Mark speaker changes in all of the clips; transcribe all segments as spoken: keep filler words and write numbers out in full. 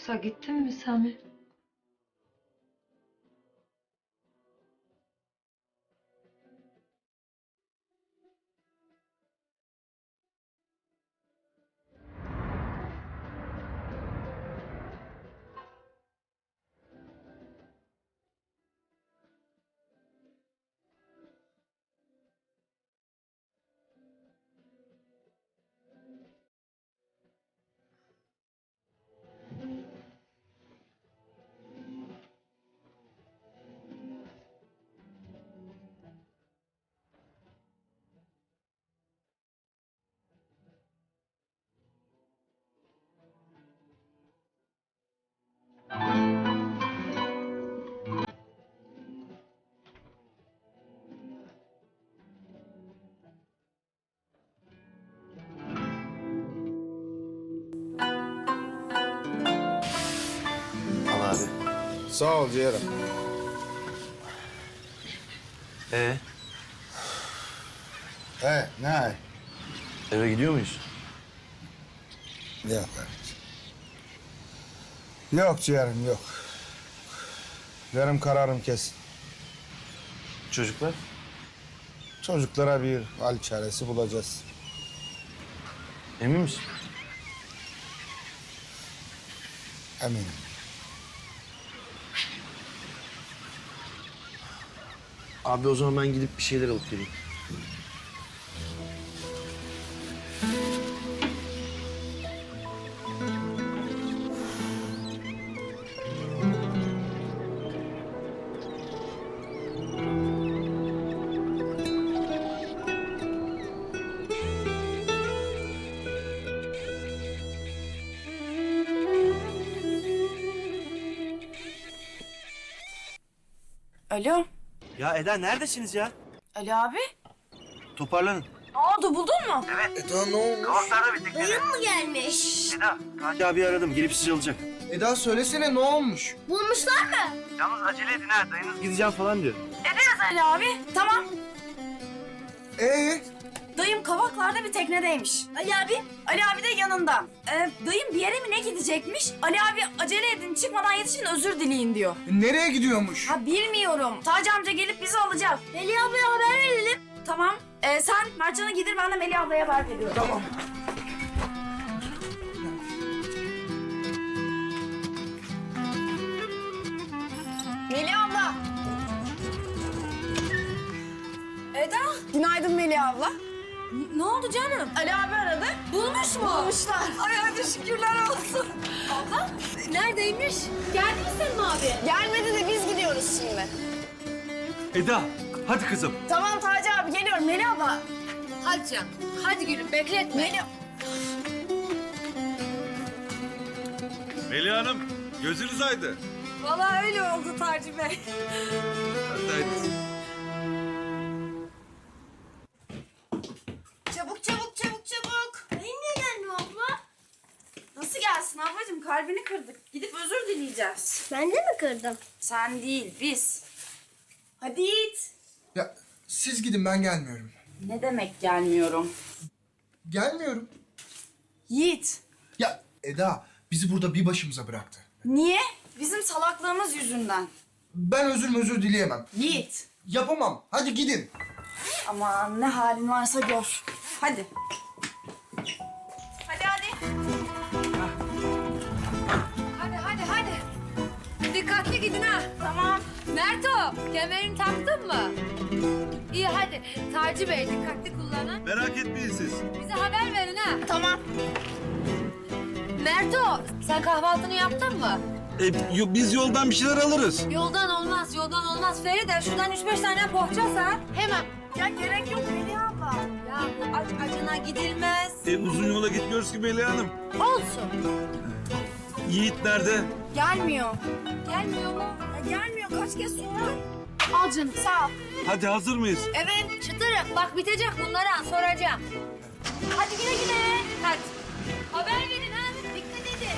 Speaker 1: Yoksa gittin mi Sami?
Speaker 2: Al abi.
Speaker 3: Sağ ol ciğerim.
Speaker 2: Ee,
Speaker 3: He, ne?
Speaker 2: eve gidiyor muyuz?
Speaker 3: Yok kardeşim. Yok ciğerim, yok. Benim kararım kesin.
Speaker 2: Çocuklar?
Speaker 3: Çocuklara bir hal çaresi bulacağız.
Speaker 2: Emin misin?
Speaker 3: Eminim.
Speaker 2: Abi o zaman ben gidip bir şeyler alıp geleyim.
Speaker 4: Alo.
Speaker 2: Ya Eda neredesiniz ya?
Speaker 4: Ali abi.
Speaker 2: Toparlanın.
Speaker 4: Ne oldu, buldun mu?
Speaker 3: Eda ne olmuş?
Speaker 5: Dayım mı gelmiş?
Speaker 2: Eda, Taci abi aradım. Gelip sizi alacak.
Speaker 3: Eda söylesene ne olmuş?
Speaker 5: Bulmuşlar mı?
Speaker 2: Yalnız acele edin ha. Dayınız gideceğim falan diyor.
Speaker 4: Ederiz Ali abi. Tamam.
Speaker 3: Ee?
Speaker 4: Dayım Kavaklar'da bir teknedeymiş. Ali abi? Ali abi de yanında. Ee, dayım bir yere mi ne gidecekmiş? Ali abi acele edin, çıkmadan yetişin, özür dileyin diyor.
Speaker 3: Nereye gidiyormuş?
Speaker 4: Ha bilmiyorum. Taci amca gelip bizi alacak.
Speaker 5: Melih ablaya haber verelim.
Speaker 4: Tamam. Ee, sen Mertcan'a gidir, ben de Melih ablaya haber veriyorum.
Speaker 3: Tamam.
Speaker 4: Melih abla. Eda. Günaydın Melih abla. N- ne oldu canım? Ali abi aradı. Bulmuş mu? Bulmuşlar. Ay hadi şükürler olsun. Abla neredeymiş? Geldi mi senin abi? Gelmedi de biz gidiyoruz şimdi.
Speaker 6: Eda, hadi kızım.
Speaker 4: Tamam Taci abi geliyorum Melih abla.
Speaker 5: Hadi canım. Hadi gülüm bekletme.
Speaker 4: Melih...
Speaker 6: Melih Hanım, gözünüz aydın.
Speaker 4: Vallahi öyle oldu Taci Bey.
Speaker 6: Hadi haydi.
Speaker 4: Çabuk çabuk çabuk çabuk.
Speaker 5: Dayım niye gelmiyor abla?
Speaker 4: Nasıl gelsin ablacığım? Kalbini kırdık. Gidip özür dileyeceğiz.
Speaker 5: Ben de mi kırdım?
Speaker 4: Sen değil, biz. Hadi Yiğit.
Speaker 3: Ya siz gidin ben gelmiyorum.
Speaker 4: Ne demek gelmiyorum?
Speaker 3: Gelmiyorum.
Speaker 4: Yiğit.
Speaker 3: Ya Eda bizi burada bir başımıza bıraktı.
Speaker 4: Niye? Bizim salaklığımız yüzünden.
Speaker 3: Ben özür özür dileyemem.
Speaker 4: Yiğit.
Speaker 3: Yapamam. Hadi gidin.
Speaker 4: Aman ne halin varsa gör. Hadi. Hadi hadi.
Speaker 7: Hadi hadi hadi. Dikkatli gidin ha.
Speaker 4: Tamam.
Speaker 7: Merto, kemerini taktın mı? İyi hadi. Taci Bey dikkatli kullanın.
Speaker 6: Merak etmeyin siz.
Speaker 7: Bize haber verin ha.
Speaker 4: Tamam.
Speaker 7: Merto, sen kahvaltını yaptın mı?
Speaker 6: E, yo- biz yoldan bir şeyler alırız.
Speaker 7: Yoldan olmaz, yoldan olmaz. Feride şuradan üç beş tane poğaça sar. Hemen.
Speaker 4: Ya gerek yok Melih abla.
Speaker 7: Ya bu aç acına gidilmez.
Speaker 6: E, uzun yola gitmiyoruz ki Melih Hanım.
Speaker 7: Olsun.
Speaker 6: Yiğit nerede?
Speaker 4: Gelmiyor.
Speaker 7: Gelmiyor mu?
Speaker 4: Ya gelmiyor. Kaç kez sordum. Al canım sağ ol.
Speaker 6: Hadi hazır mıyız?
Speaker 7: Evet. Çıtırım. Bak bitecek bunlara soracağım.
Speaker 4: Hadi güle güle.
Speaker 7: Hadi. Haber verin ha. Dikkat edin.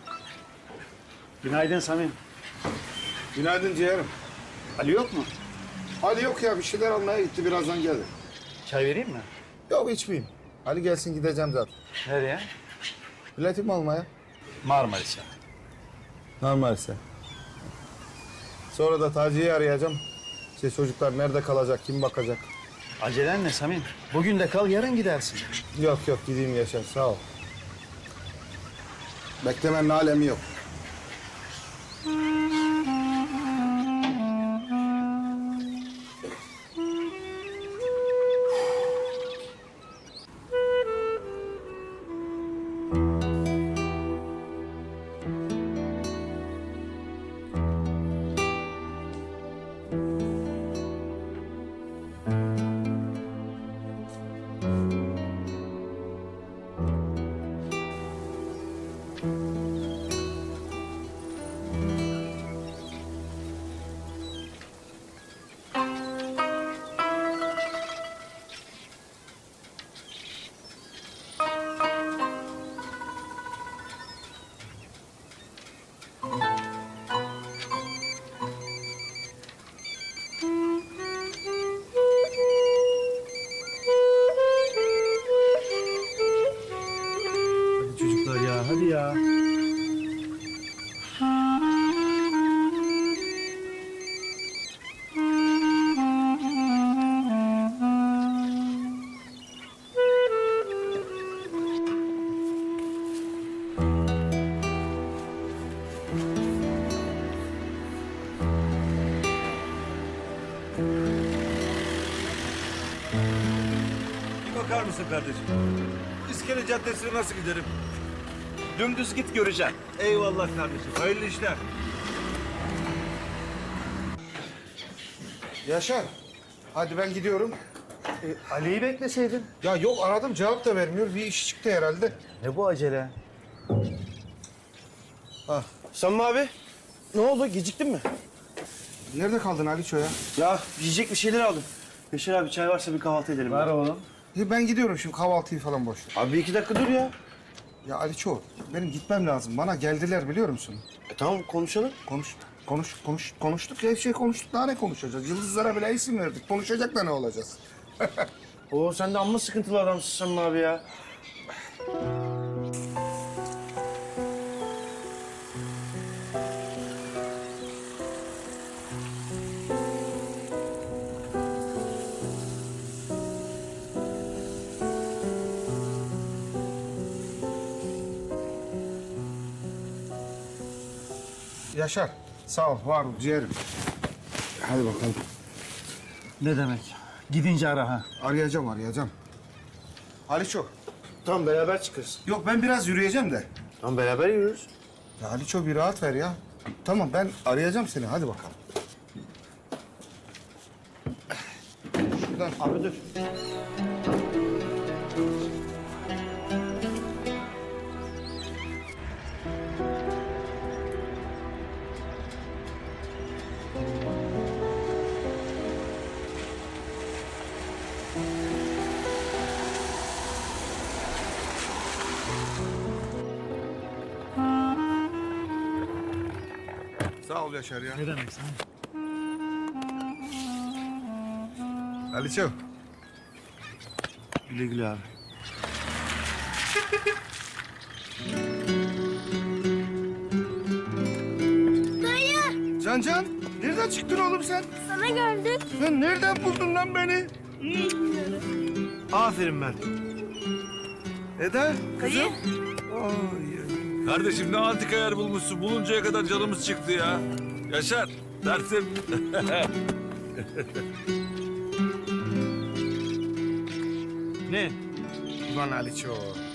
Speaker 8: Günaydın Samim.
Speaker 3: Günaydın ciğerim.
Speaker 8: Ali yok mu?
Speaker 3: Ali yok ya bir şeyler almaya gitti birazdan gelir.
Speaker 2: Çay vereyim mi?
Speaker 3: Yok içmeyeyim. Ali gelsin gideceğim zaten.
Speaker 2: Nereye?
Speaker 3: Biletimi almaya.
Speaker 2: Marmaris'e.
Speaker 3: Normalse. Sonra da Taci'yi arayacağım. İşte çocuklar nerede kalacak, kim bakacak?
Speaker 2: Acelen ne Samim? Bugün de kal, yarın gidersin.
Speaker 3: Yok yok gideyim Yaşar sağ ol. Beklemenin alemi yok.
Speaker 2: Hadi çocuklar ya, hadi ya.
Speaker 6: Bir bakar mısın kardeşim? İskele Caddesi'ne nasıl giderim?
Speaker 2: Dümdüz git göreceksin.
Speaker 6: Eyvallah kardeşim. Hayırlı işler.
Speaker 3: Yaşar. Hadi ben gidiyorum.
Speaker 2: E, Ali'yi bekleseydin.
Speaker 3: Ya yok aradım cevap da vermiyor. Bir iş çıktı herhalde.
Speaker 2: Ne bu acele?
Speaker 3: Ah.
Speaker 2: Samim abi, ne oldu? Geciktin mi?
Speaker 3: Nerede kaldın Aliço ya?
Speaker 2: Ya yiyecek bir şeyler aldım. Yaşar abi çay varsa bir kahvaltı edelim. Var oğlum.
Speaker 3: E, Ben gidiyorum şimdi kahvaltıyı falan boş ver.
Speaker 2: Abi bir iki dakika dur ya.
Speaker 3: Ya Aliço benim gitmem lazım. Bana geldiler biliyor musun?
Speaker 2: E tamam konuşalım.
Speaker 3: Konuş, konuş, konuş, konuştuk. Her şey konuştuk. Daha ne konuşacağız? Yıldızlara bile isim verdik. Konuşacak da ne olacağız?
Speaker 2: Oo sen de amma sıkıntılı adamsın Samim abi ya.
Speaker 3: Yaşar, sağ ol, var ol, ciğerim. Hadi bakalım.
Speaker 2: Ne demek? Gidince ara ha.
Speaker 3: Arayacağım, arayacağım. Aliço.
Speaker 2: Tamam beraber çıkarız.
Speaker 3: Yok ben biraz yürüyeceğim de.
Speaker 2: Tamam beraber yürürüz.
Speaker 3: Ya Aliço bir rahat ver ya. Tamam ben arayacağım seni. Hadi bakalım. Şuradan.
Speaker 2: Abi dur.
Speaker 3: Sağ ol Yaşar ya.
Speaker 2: Ne demek sen?
Speaker 3: Aliço.
Speaker 2: Güle güle abi.
Speaker 5: Dayı
Speaker 3: Can Can, nereden çıktın oğlum sen?
Speaker 5: sana gördük.
Speaker 3: Sen nereden buldun lan beni?
Speaker 2: Aferin ben.
Speaker 3: Eda, kızım.
Speaker 6: Kardeşim ne antika yer bulmuşsun. Buluncaya kadar canımız çıktı ya. Yaşar, dersim.
Speaker 2: Ne?
Speaker 3: Ulan Aliço.